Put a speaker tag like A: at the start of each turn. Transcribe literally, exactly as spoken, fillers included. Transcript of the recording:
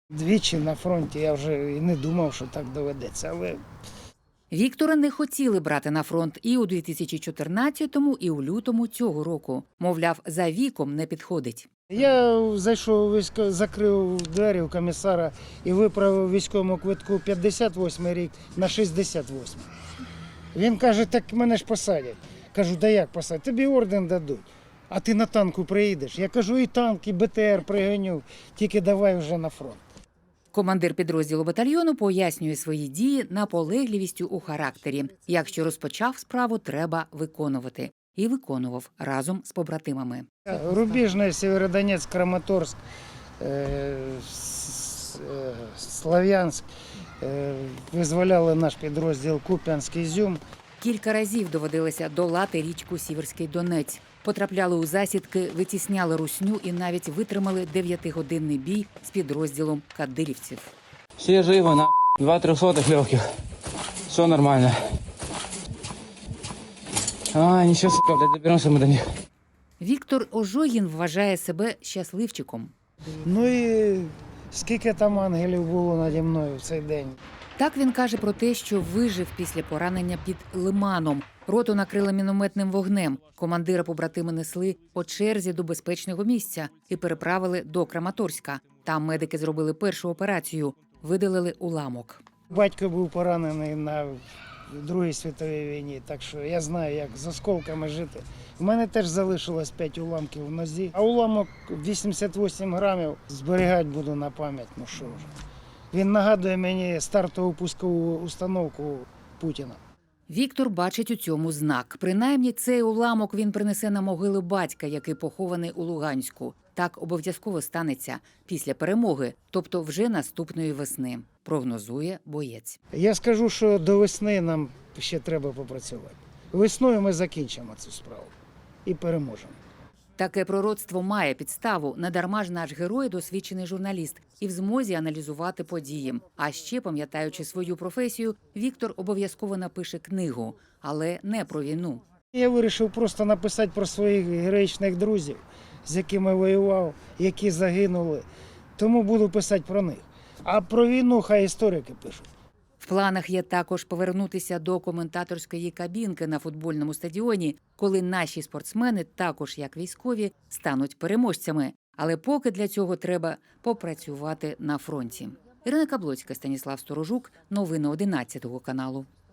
A: Двічі на фронті я вже і не думав, що так доведеться, але
B: Віктора не хотіли брати на фронт і у дві тисячі чотирнадцятому, і у лютому цього року. Мовляв, за віком не підходить.
A: я зайшов у військо, закрив двері у комісара і виправив військовому квитку п'ятдесят восьмий рік на шістдесят восьмий. Він каже, так мене ж посадять. Кажу, да як посадять? Тобі орден дадуть. А ти на танку приїдеш? Я кажу, і танк, і Б Т Р пригоню, тільки давай вже на фронт.
B: Командир підрозділу батальйону пояснює свої дії наполегливістю у характері. Якщо розпочав справу, треба виконувати. І виконував разом з побратимами.
A: Рубіжний, Сєвєродонецьк, Краматорськ, е, С- е, Слов'янськ, е, визволяли наш підрозділ Куп'янськ, Ізюм.
B: Кілька разів доводилося долати річку Сіверський Донець. Потрапляли у засідки, витісняли русню і навіть витримали дев'ятигодинний бій з підрозділом кадирівців.
C: Все живы, на два трехсотых легких. Все нормально. А, ничего, сука, блядь, доберемся мы до них.
B: Віктор Ожогін вважає себе щасливчиком.
A: Ну і скільки там ангелів було наді мною в цей день.
B: Так він каже про те, що вижив після поранення під Лиманом. Роту накрили мінометним вогнем. Командира побратими несли по черзі до безпечного місця і переправили до Краматорська. Там медики зробили першу операцію – видалили уламок.
A: Батько був поранений на Другій світовій війні, так що я знаю, як з осколками жити. У мене теж залишилось п'ять уламків в нозі, а уламок вісімдесят вісім грамів зберігати буду на пам'ять, ну що вже. Він нагадує мені стартову пускову установку Путіна.
B: Віктор бачить у цьому знак. Принаймні цей уламок він принесе на могилу батька, який похований у Луганську. Так обов'язково станеться після перемоги, тобто вже наступної весни, прогнозує боєць.
A: Я скажу, що до весни нам ще треба попрацювати. Весною ми закінчимо цю справу і переможемо.
B: Таке пророцтво має підставу. Недарма ж наш герой – досвідчений журналіст і в змозі аналізувати події. А ще, пам'ятаючи свою професію, Віктор обов'язково напише книгу, але не про війну.
A: Я вирішив просто написати про своїх героїчних друзів, з якими воював, які загинули. Тому буду писати про них. А про війну хай історики пишуть.
B: В планах є також повернутися до коментаторської кабінки на футбольному стадіоні, коли наші спортсмени, також як військові, стануть переможцями. Але поки для цього треба попрацювати на фронті. Ірина Каблоцька, Станіслав Сторожук. Новини одинадцятого каналу.